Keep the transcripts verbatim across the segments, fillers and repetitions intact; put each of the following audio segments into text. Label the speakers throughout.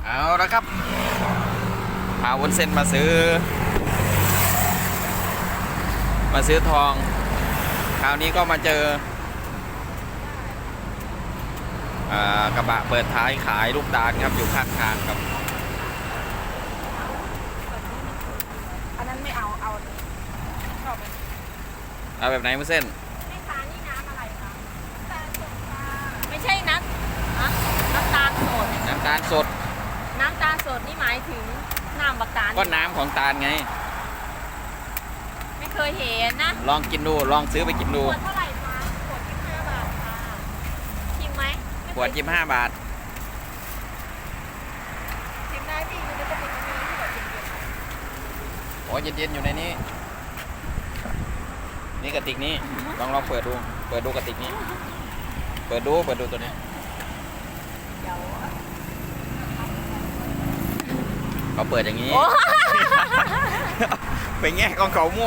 Speaker 1: เอาละครับพาวุ้นเส้นมาซื้อมาซื้อทองคราวนี้ก็มาเจอกระบะเปิดท้ายขายลูกตาลครับอยู่ข้างทางครับ
Speaker 2: อันนั้นไม่เอาเอาชอบ
Speaker 1: เอาแบบไหนวุ้นเส้น
Speaker 2: แม่ค้านี่น้ำอะไรคะน้ำตาลสดค่ะไม่ใช่น้ำน้ำตาลสด
Speaker 1: น้ำตาลสด
Speaker 2: น้ำตาลสดนี่หมายถึงน้ำบักตาล
Speaker 1: ก็น้ำของตาลไง
Speaker 2: ไม่เคยเห็นนะ
Speaker 1: ลองกินดูลองซื้อไปกินดู
Speaker 2: ขวดเท่าไหร่คะขวดยี่สิบห้าบาทค่ะชิมไหม
Speaker 1: ขวดยี่สิบห้าบาท
Speaker 2: ชิมได้พี่มันจะเป็นยังไงที่แบบเย็น
Speaker 1: ๆโอ้เย็นๆอยู่ในนี้นี่กระติกนี้ลองลองเปิดดูเปิดดูกระติกนี้เปิดดูเปิดดูตัวนี้
Speaker 2: เดี๋ยว
Speaker 1: เขาเปิดอย่างนี้ไปแง่ของเขามั่ว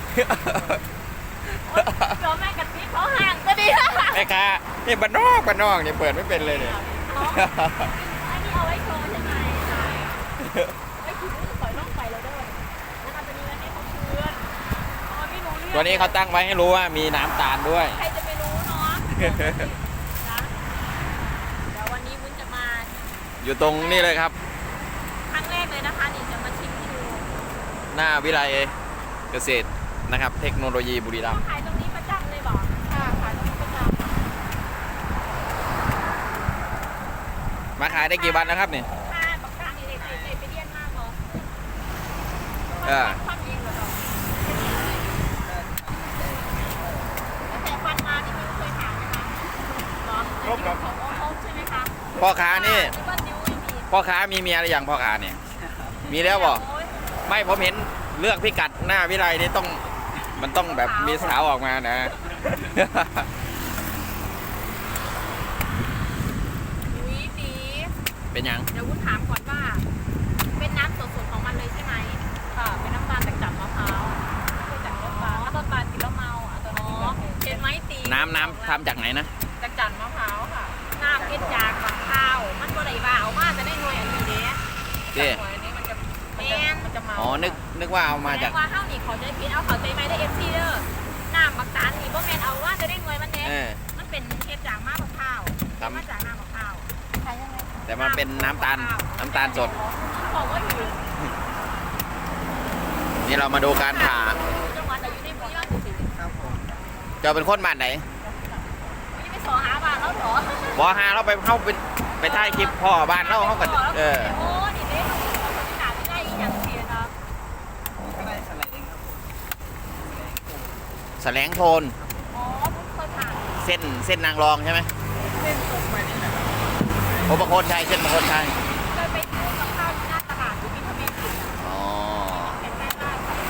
Speaker 2: เราแม่กะทิเขาห่างก็ดี
Speaker 1: แม่ค้านี่บ้านนอกบ้านนอกเนี่ยเปิดไม่เป็นเลยเนี่ย
Speaker 2: อันนี้เอาไว้โชว์ใช่ไหมใช่ไว้ถือปล่อยล่องไปแล้วด้วยนะคะตัวนี้แล้วให้เขาเชื่อนไม่รู้เรื่อง
Speaker 1: ตัวนี้เขาตั้งไว้ให้รู้ว่ามีน้ำตาลด้วย
Speaker 2: ใครจะไปรู้เนาะนะเดี๋ยววันนี้วุ้นจะมา
Speaker 1: อยู่ตรงนี้เลยครับ
Speaker 2: ครั้งแรกเลยนะคะนี่จะมาชิมให้ดู
Speaker 1: หน้าวิไลเกษตรนะครับเทคโนโลยีบุรีรัมย์
Speaker 2: ขายตรงนี้ประจำเลยบอกค่ะขายตรงนี้ประจ
Speaker 1: ำมาขายได้กี่วันแล้วครับเนี่ย
Speaker 2: ค่ะปากกานี่เลยเลยไปเรียนมากเหรอ
Speaker 1: เออ
Speaker 2: ฟันเองเหรอแต่ฟันมาที่ไม่เคยถามนะคะหรอครบครับครบใช่ไหมคะ
Speaker 1: พ่อค้านี่พ่อค้ามีเมียหรือยังพ่อค้าเนี่ยมีแล้วบอกไม่ผมเห็นเลือกพิกัดหน้าวิไลนี่ต้องมันต้องแบบมีสาวออกมานะ
Speaker 2: อุ้ยปี
Speaker 1: เป็นยัง
Speaker 2: เดี๋ยววุ้นถามก่อนว่าเป็นน้ำสดๆของมันเลยใช่ไหมค่ะเป็นน้ำตาลจากจับมะพร้าวคือจากต้นตาลต้นตาลกินแล้วเมาอ่ะตัวนี้เห็นไหมตี
Speaker 1: น้ำน้ำทำจากไหนนะ
Speaker 2: จากจับมะพร้าวค่ะน้ำกินจากมะพร้าวมันก็ได้ว่าเอามาจะได้หน่วยอันนี้เด้
Speaker 1: เด้
Speaker 2: มันจะเมา
Speaker 1: อ๋อนึกนึกว่าเอามาจาก
Speaker 2: ว่าข้าวหนีเขาจะพิษเอาเขาใจไหมได้เอฟซีเด้อน้ำบักตาลนี่บ่แมนเอาว่าจะได้หน่วยมันเนี้ยมันเป็นเห็ดจากมะพร้าวมาจากน้ำมะพร้าว
Speaker 1: แต่มันเป็นน้ำตาลน้ำตาลสด
Speaker 2: บอกว่าอยู่
Speaker 1: นี่เรามาดูการผ่า
Speaker 2: จังหวัดไหนอยู่ในบุรีรัมย์สิครับผม
Speaker 1: จะเป็นคนบ้านไหน
Speaker 2: ไม่ไปสอหาบ้านแล้วหรอบ
Speaker 1: อหาเราไปเข้าไปไปถ่ายคลิปพ่อบ้านเราเขาก็เออ
Speaker 2: โอ้ดิเด้ขาไม่ได้อย่างเสียเนาะ
Speaker 3: ก็ได้แสลงครับ
Speaker 1: แสลงโทน
Speaker 2: อ๋อเคยผ่าน
Speaker 1: เส้นเส้นนางรองใช่ไหม
Speaker 3: เส้นตรงไปนี่แหละ
Speaker 1: โอ้ประโคนชัยเส้นประโคนชัย
Speaker 2: เคยไปซื้อกับข้าวที่หน้าตลาดที่มีทะเบียนผิด
Speaker 1: อ๋อ
Speaker 2: เห็นได้ได้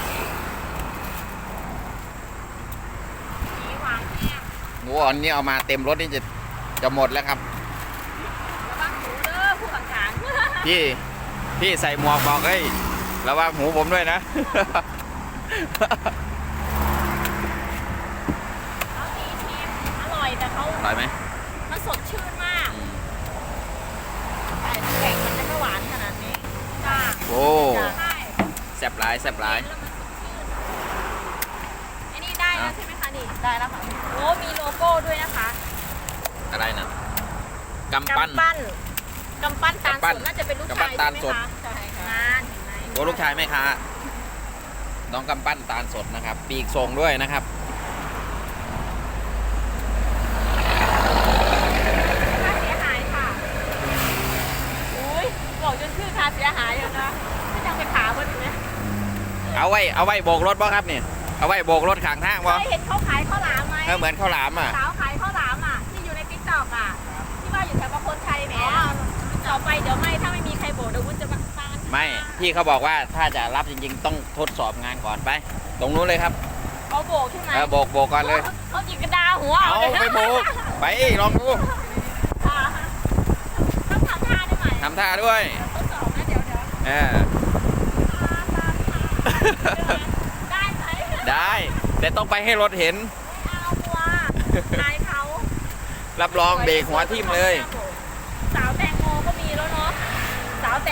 Speaker 2: สีหวานเนี่ย
Speaker 1: หมูอ่อนนี่เอามาเต็มรถนี่จะจะหมดแล้วครับ
Speaker 2: ระวังหูเด้อผู้ขังขัง
Speaker 1: พี่พี่ใส่หมวกบอกเฮ้ยระวังหูผมด้วยนะ
Speaker 2: เขาดีทีมอร่อยแต่เขา
Speaker 1: อร่อยไหม
Speaker 2: มันสดชื่นมากแต่แข็งมันจะไม่หวานขนาดนี้จ้า
Speaker 1: โอ้แซ่บหลายแซ่บหลาย
Speaker 2: ไอ้นี่ได้แล้วใช่ไหมคะนี่ได้แล้วค่ะโอ้มีโลโก้ด้วยนะคะ
Speaker 1: อะไรนะกำปั้น
Speaker 2: กำปั้นตาลสดน่าจะเป็นลูกชายใช่ไหมคะใช่ค่ะงานเห็นไหม
Speaker 1: โอ้ลูกชายไหมคะน้องกำปั้นตาลสดนะครับปีกทรงด้วยนะครับ
Speaker 2: ค่าเสียหายค่ะอุ้ยบอกจนชื่อค่าเสียหายอยู่นะไม่ยังไปขาเพิ่นอยู่ไหม
Speaker 1: เอาไว้เอาไว้โบกรถป่ะครับเนี่ยเอาไว้โบกรถข้างทางป่ะ
Speaker 2: เคยเห็นเขาขายข้าวหลามไหม
Speaker 1: เหมือนข้าวหลามอ่ะ
Speaker 2: สาวขายข้าวหลามอ่ะที่อยู่ในติ๊กต็อกอ่ะที่ว่าอยู่แถวประโคนชัยแหมต่อไปเดี๋ยวไม่ถ้าไม่มีใครโบกเดี๋ยววุ้นจะมาบ้าน
Speaker 1: ไม่พี่เขาบอกว่าถ้าจะรับจริงๆต้องทดสอบงานก่อนไปตรงนู้นเลยครับ
Speaker 2: เขาโบกใช่ไหม
Speaker 1: เออโบกโบกก่อนเลย
Speaker 2: เขาจิกกระดาหัว
Speaker 1: เอาไปโบกไปลองดู
Speaker 2: ต้องทำท่าได้ไหม
Speaker 1: ทำท่าด้วย
Speaker 2: ทดสอบนะเดี๋ยวเดี๋ยว
Speaker 1: เออ
Speaker 2: ได้ไหม
Speaker 1: ได้แต่ต้องไปให้รถเห็น
Speaker 2: เอาหัวนายเขา
Speaker 1: รับรองเบรกหัวทิ่มเลย
Speaker 2: สาวแตงโมก็มีแล้วเนาะสาว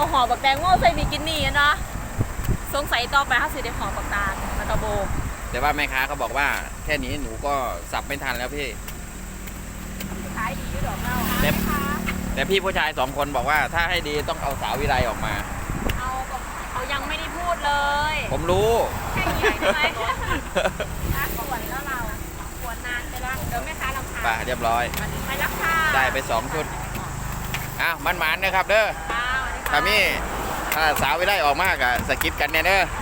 Speaker 2: ก็ห่อบักแตงโมใส่บิกินี่อะเนาะสงสัยต่อไปเขาสิได้ห่อบักตาลแล้วก็โบ
Speaker 1: แต่ว่าแม่ค้าเขาบอกว่าแค่นี้หนูก็สับไม่ทันแล้วพี่
Speaker 2: ขายดีอยู่ดอกเรา
Speaker 1: แต่แต่พี่ผู้ชายสองคนบอกว่าถ้าให้ดีต้องเอาสาววิไลออกมา
Speaker 2: เอาบอกเขายังไม่ได้พูดเลย
Speaker 1: ผมรู้
Speaker 2: แค่ใหญ่ได้ไหมน่ากวนแล้วเรากวนนานไปแล้วเดี๋ยวแม่ค้าลำพา
Speaker 1: ไปเรียบร้อย
Speaker 2: ไปรักค่ะ
Speaker 1: ได้ไปสองชุดอ้าวมันหมานนะครับเด้อ
Speaker 2: ค่ะ
Speaker 1: ถ้ามีถ้าสาววิไลออกมากอะสกิปกันเนี่ยเด้อ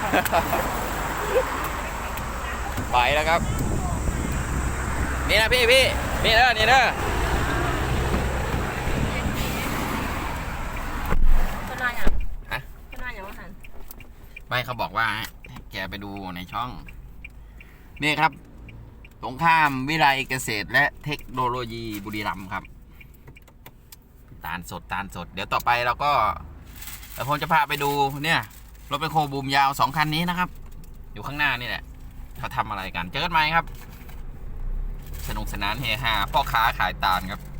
Speaker 1: ไปแล้วครับ นี่นะพี่พี่นี่เด้อนี่เด้อ
Speaker 2: เป็นไรอ่ะ
Speaker 1: ฮะ
Speaker 2: เป็นไรอย่างว่าหัน
Speaker 1: ไม่เขาบอกว่าให้แกไปดูในช่อง นี่ครับสงข้ามวิไลเกษตรและเทคโนโลยีบุรีรัมย์ครับ ตาลสดตาลสด เดี๋ยวต่อไปเราก็เดี๋ยวผมจะพาไปดูเนี่ยรถเป็นโคบูมยาวสองคันนี้นะครับ อยู่ข้างหน้านี่แหละเขาทำอะไรกัน เจอกันไหมครับ สนุกสนานเฮฮาพ่อค้าขายตาลครับ